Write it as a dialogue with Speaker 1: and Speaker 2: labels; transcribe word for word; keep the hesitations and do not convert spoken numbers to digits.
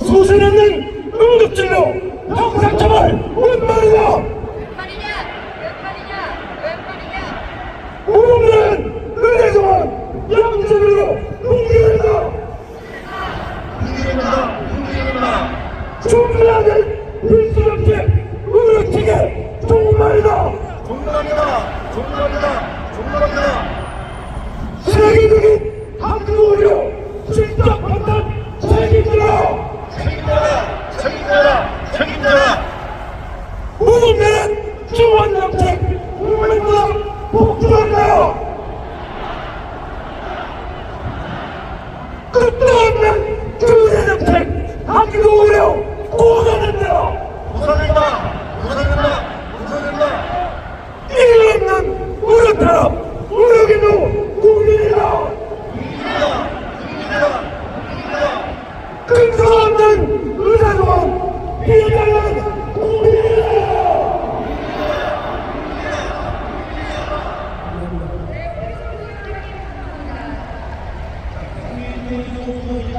Speaker 1: 소신 없는 응급진료 형사처벌 웬 말이냐?
Speaker 2: 웬 말이냐? 웬 말이냐? 웬 말이냐?
Speaker 1: 우리는 의례정원 양심으로 공개한다.
Speaker 3: 공개합니다. 공개합니다.
Speaker 1: 준비하는 필수적인 의료체계 종말이다.
Speaker 3: 종말이다. 종말이다. 종말이다.
Speaker 1: 세계적인 학교의료 실적 판단 책임져라.
Speaker 3: 책임져라. 책임져라. 책임져라.
Speaker 1: 무분별한 지원정책 국민보다 복주한다. 끝도 없는 규제정책 학교의료 고소된다.
Speaker 3: 부산된다. 부산된다. 부산된다.
Speaker 1: 일 없는 의료탄압 의료기도 국민이다.
Speaker 3: 국민이다. 국민이다. 국민이다.
Speaker 1: 근거 없는 의사조항 비판하는 국민이다.
Speaker 3: 국민이